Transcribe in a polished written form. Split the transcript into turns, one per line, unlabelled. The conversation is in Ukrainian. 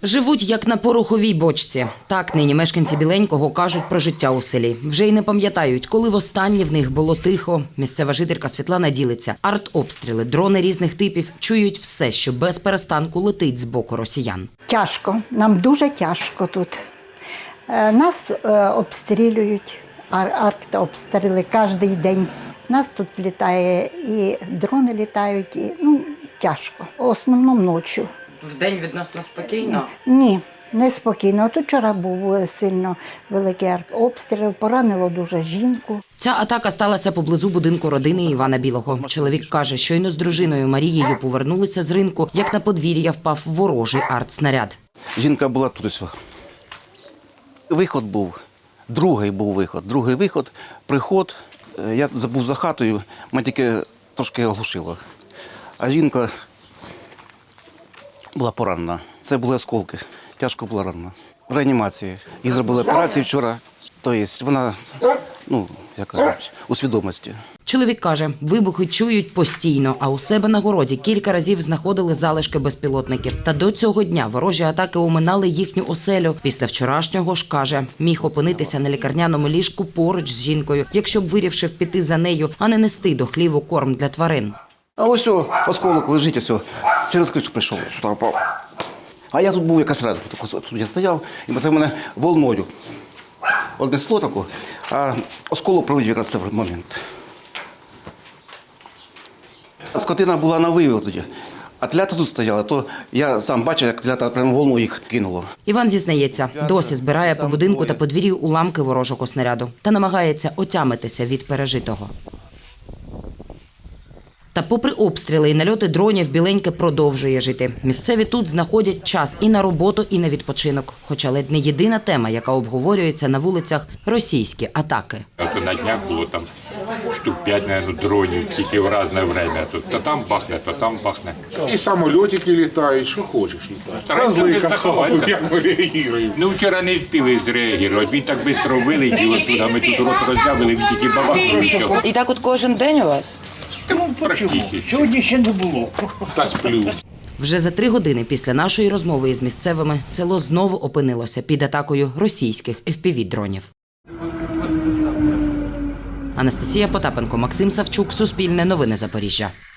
Живуть як на пороховій бочці. Так нині мешканці Біленького кажуть про життя у селі. Вже й не пам'ятають, коли востаннє в них було тихо. Місцева жителька Світлана ділиться. Артобстріли, дрони різних типів чують все, що без перестанку летить з боку росіян.
Тяжко, нам дуже тяжко тут. Нас обстрілюють, артобстріли кожен день. Нас тут літає, і дрони літають, і тяжко. В основному ночі.
Вдень відносно спокійно?
Ні, не спокійно. Тут вчора був сильно великий обстріл, поранило дуже жінку.
Ця атака сталася поблизу будинку родини Івана Білого. Чоловік каже, щойно з дружиною Марією повернулися з ринку, як на подвір'я впав ворожий артснаряд.
Жінка була тут ось. Виход був, другий виход, приход. Я забув за хатою, мене тільки трошки оглушило. А жінка була поранена. Це були осколки, тяжко була ранена. В реанімації. Їй зробили операцію вчора, тобто вона, у свідомості.
Чоловік каже, вибухи чують постійно, а у себе на городі кілька разів знаходили залишки безпілотників. Та до цього дня ворожі атаки оминали їхню оселю. Після вчорашнього ж, каже, міг опинитися на лікарняному ліжку поруч з жінкою, якщо б вирішив піти за нею, а не нести до хліву корм для тварин.
А ось осколок лежить, ось через кришу прийшов, що впав. А я тут був якраз рядом, тут я стояв, і це мене волною однесло таку, а осколок прилетів якраз в цей момент. Скотина була на вивів тоді, а тлята тут стояла, то я сам бачив, як тлята прямо волною їх кинуло.
Іван зізнається, досі збирає по будинку та подвір'ю уламки ворожого снаряду та намагається отямитися від пережитого. Та попри обстріли і нальоти дронів, Біленьке продовжує жити. Місцеві тут знаходять час і на роботу, і на відпочинок. Хоча ледь не єдина тема, яка обговорюється на вулицях – російські атаки.
На днях було там штук 5, мабуть, дронів, тільки в різне час. То там бахне, то там бахне.
І самолітики літають, що хочеш літають. Козли кацапи, як ми реагуємо.
Вчора не встигли зреагувати. Він так швидко вилетів оттуда, ми тут рот роззявили, він тільки бабахнув і все.
І так от кожен день у вас?
Сьогодні ще не було.
Та сплю.
Вже за 3 години після нашої розмови із місцевими село знову опинилося під атакою російських FPV-дронів. Анастасія Потапенко, Максим Савчук, Суспільне новини Запоріжжя.